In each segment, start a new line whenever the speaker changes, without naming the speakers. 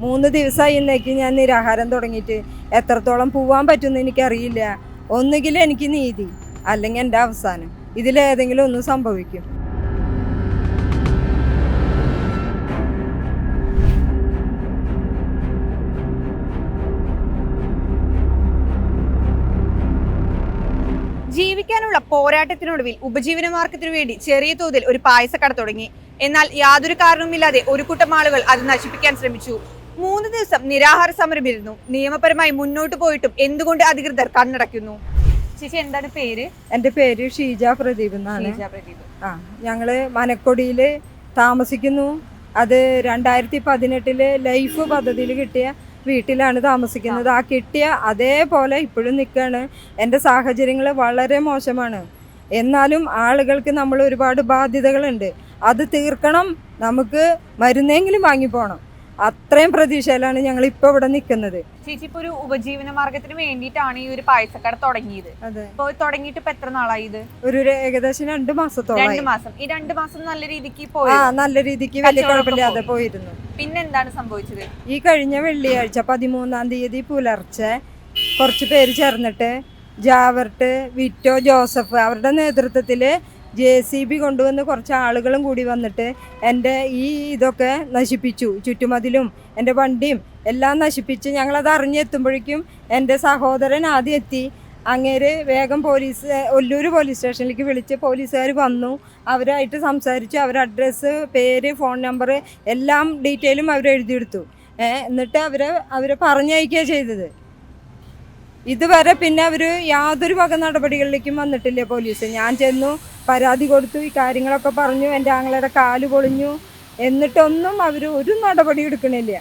3 ദിവസമായി ഇന്നേക്ക് ഞാൻ നിരാഹാരം തുടങ്ങിയിട്ട്. എത്രത്തോളം പോവാൻ പറ്റുമെന്ന് എനിക്കറിയില്ല. ഒന്നുകിൽ എനിക്ക് നീതി, അല്ലെങ്കിൽ എൻ്റെ അവസാനം. ഇതിലേതെങ്കിലും ഒന്ന് സംഭവിക്കും.
ജീവിക്കാനുള്ള പോരാട്ടത്തിനൊടുവിൽ ഉപജീവനമാർഗത്തിനു വേണ്ടി ചെറിയ തോതിൽ ഒരു പായസക്കട തുടങ്ങി. എന്നാൽ യാതൊരു കാരണവുമില്ലാതെ ഒരു കൂട്ടം ആളുകൾ അത് നശിപ്പിക്കാൻ ശ്രമിച്ചു. 3 ദിവസം നിരാഹാര സമരമിരുന്നു. നിയമപരമായി മുന്നോട്ട് പോയിട്ടും എന്തുകൊണ്ട് അധികൃതർ കണ്ണടയ്ക്കുന്നു? ചേച്ചി, എന്താണ് പേര്?
എൻ്റെ പേര് ഷീജ പ്രദീപ് എന്നാണ്. ഞങ്ങള് മനക്കൊടിയിൽ താമസിക്കുന്നു. അത് 2018 ലൈഫ് പദ്ധതിയിൽ കിട്ടിയ വീട്ടിലാണ് താമസിക്കുന്നത്. ആ കിട്ടിയ അതേപോലെ ഇപ്പോഴും നിൽക്കുകയാണ്. എൻ്റെ സാഹചര്യങ്ങൾ വളരെ മോശമാണ്. എന്നാലും ആളുകൾക്ക് നമ്മൾ ഒരുപാട് ബാധ്യതകളുണ്ട്. അത് തീർക്കണം. നമുക്ക് മരുന്നെങ്കിലും വാങ്ങിപ്പോണം. അത്രയും പ്രതീക്ഷയിലാണ് ഞങ്ങൾ ഇപ്പോൾ ഇവിടെ നിൽക്കുന്നത്.
ചേച്ചി, ഇപ്പൊ ഒരു ഉപജീവന മാർഗത്തിന് വേണ്ടിയിട്ടാണ് ഈ ഒരു പായസക്കട തുടങ്ങിയത്.
അതെ.
ഇപ്പൊ തുടങ്ങിയിട്ട് ഇപ്പൊ എത്ര നാളായി? ഇത്
ഒരു ഏകദേശം 2 മാസത്തോളം.
2 മാസം. ഈ 2 മാസം നല്ല രീതിക്ക് പോയി.
നല്ല രീതിക്ക് വലിയ കുഴപ്പമില്ലാതെ പോയിരുന്നു.
പിന്നെന്താണ് സംഭവിച്ചത്?
ഈ കഴിഞ്ഞ വെള്ളിയാഴ്ച 13-ാം തീയതി പുലർച്ചെ കുറച്ച് പേര് ചേർന്നിട്ട് ജാവർട്ട്, വിറ്റോ, ജോസഫ് അവരുടെ നേതൃത്വത്തിൽ JCB കൊണ്ടുവന്ന് കുറച്ച് ആളുകളും കൂടി വന്നിട്ട് എൻ്റെ ഈ ഇതൊക്കെ നശിപ്പിച്ചു. ചുറ്റുമതിലും എൻ്റെ വണ്ടിയും എല്ലാം നശിപ്പിച്ച്. ഞങ്ങളത് അറിഞ്ഞെത്തുമ്പോഴേക്കും എൻ്റെ സഹോദരൻ ആദ്യം എത്തി. അങ്ങേര് വേഗം ഒല്ലൂർ പോലീസ് സ്റ്റേഷനിലേക്ക് വിളിച്ച് പോലീസുകാർ വന്നു. അവരായിട്ട് സംസാരിച്ചു. അവരുടെ അഡ്രസ്സ്, പേര്, ഫോൺ നമ്പർ എല്ലാം ഡീറ്റെയിലും അവരെഴുതിയെടുത്തു. എന്നിട്ട് അവരെ പറഞ്ഞയക്കുക ചെയ്തത്. ഇതുവരെ പിന്നെ അവർ യാതൊരു വക നടപടികളിലേക്കും വന്നിട്ടില്ല പോലീസ്. ഞാൻ ചെന്നു, പരാതി കൊടുത്തു, ഈ കാര്യങ്ങളൊക്കെ പറഞ്ഞു. എൻ്റെ ആങ്ങളുടെ കാല് പൊളിഞ്ഞു. എന്നിട്ടൊന്നും അവർ ഒരു നടപടി എടുക്കണില്ല.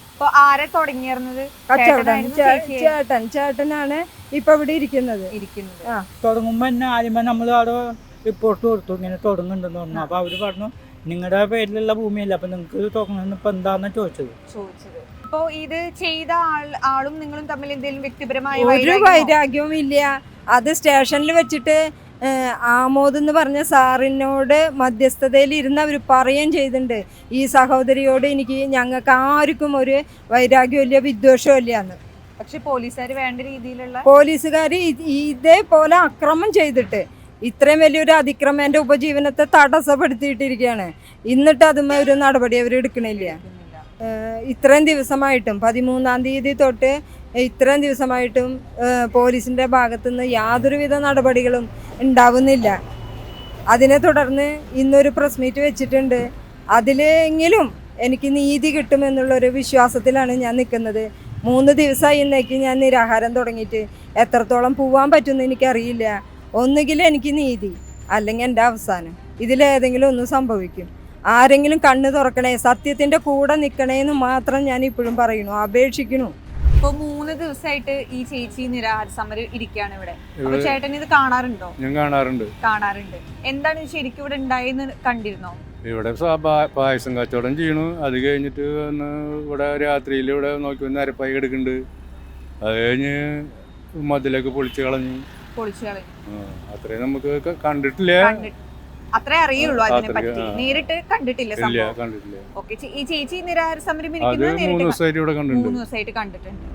ചേട്ടനാണ് ഇപ്പൊ ഇവിടെ ഇരിക്കുന്നത്.
തുടങ്ങുമ്പോ തന്നെ ആദ്യമേ നമ്മൾ അവിടെ റിപ്പോർട്ട് കൊടുത്തു, ഇങ്ങനെ തുടങ്ങുന്നുണ്ടെന്ന് പറഞ്ഞു. അപ്പൊ അവര് പറഞ്ഞു നിങ്ങളുടെ പേരിലുള്ള ഭൂമിയല്ല, അപ്പൊ നിങ്ങൾക്ക് തുടങ്ങുന്ന ഇപ്പൊ എന്താന്ന് ചോദിച്ചത്.
ഇപ്പോ ഇത് ചെയ്ത ആളും നിങ്ങളും തമ്മിൽ എന്തെങ്കിലും വ്യക്തിപരമായ
ഒരു വൈരാഗ്യവും ഇല്ല. അത് സ്റ്റേഷനിൽ വെച്ചിട്ട് ആമോദ് എന്ന് പറഞ്ഞ സാറിനോട് മധ്യസ്ഥതയിൽ ഇരുന്ന് അവർ പറയുകയും ചെയ്തിട്ടുണ്ട്, ഈ സഹോദരിയോട് ഞങ്ങൾക്ക് ആർക്കും ഒരു വൈരാഗ്യമില്ല, വിദ്വേഷമില്ല എന്ന്.
പക്ഷെ പോലീസുകാർ വേണ്ട രീതിയിലുള്ള
ഇതേപോലെ അക്രമം ചെയ്തിട്ട് ഇത്രയും വലിയൊരു അതിക്രമം എൻ്റെ ഉപജീവനത്തെ തടസ്സപ്പെടുത്തിയിട്ടിരിക്കുകയാണ്. എന്നിട്ട് അതുമേ ഒരു നടപടി അവർ എടുക്കണില്ല. ഇത്രയും ദിവസമായിട്ടും 13-ാം തീയതി തൊട്ട് ഇത്രയും ദിവസമായിട്ടും പോലീസിൻ്റെ ഭാഗത്തുനിന്ന് യാതൊരുവിധ നടപടികളും ഉണ്ടാവുന്നില്ല. അതിനെ തുടർന്ന് ഇന്നൊരു പ്രസ് മീറ്റ് വെച്ചിട്ടുണ്ട്. അതിലെങ്കിലും എനിക്ക് നീതി കിട്ടുമെന്നുള്ളൊരു വിശ്വാസത്തിലാണ് ഞാൻ നിൽക്കുന്നത്. 3 ദിവസമായി ഇന്നേക്ക് ഞാൻ നിരാഹാരം തുടങ്ങിയിട്ട്. എത്രത്തോളം പോവാൻ പറ്റുമെന്ന് എനിക്കറിയില്ല. ഒന്നുകിൽ എനിക്ക് നീതി, അല്ലെങ്കിൽ എൻ്റെ അവസാനം. ഇതിലേതെങ്കിലും ഒന്ന് സംഭവിക്കും. ആരെങ്കിലും കണ്ണ് തുറക്കണേ, സത്യത്തിന്റെ കൂടെ നിൽക്കണേന്ന് മാത്രം ഞാൻ ഇപ്പോഴും പറയുന്നു, അപേക്ഷിക്കണു.
ഇപ്പൊ 3 ദിവസമായിട്ട് ഈ ചേച്ചി നിരാഹാര സമരം ഇരിക്കുകയാണ് ഇവിടെ. അപ്പൊ ചേട്ടൻ ഇത് കാണാറുണ്ടോ?
ഞാൻ കാണാറുണ്ട്.
എന്താണ് ശരിക്കും ഇവിടെ ഉണ്ടായെന്ന് കണ്ടിരുന്നോ?
ഇവിടെ പായസം കച്ചവടം ചെയ്യണു. അത് കഴിഞ്ഞിട്ട് വന്ന് ഇവിടെ രാത്രിയിൽ ഇവിടെ നോക്കി നരപ്പായി കിടക്കുന്നുണ്ട്. അത് കഴിഞ്ഞ് മതിലൊക്കെ പൊളിച്ചു കളഞ്ഞു. അത്രയും നമുക്ക് കണ്ടിട്ടില്ല.
അത്രേ അറിയുള്ളൂ അതിനെ പറ്റി. നേരിട്ട് കണ്ടിട്ടില്ല സംഭവം.
കണ്ടിട്ടില്ല.
ഓക്കെ. ഈ ചേച്ചി നിരാഹാര സമരം
3 ദിവസമായിട്ട് ഇവിടെ കണ്ടിട്ടുണ്ട്.
3 ദിവസമായിട്ട് കണ്ടിട്ടുണ്ട്.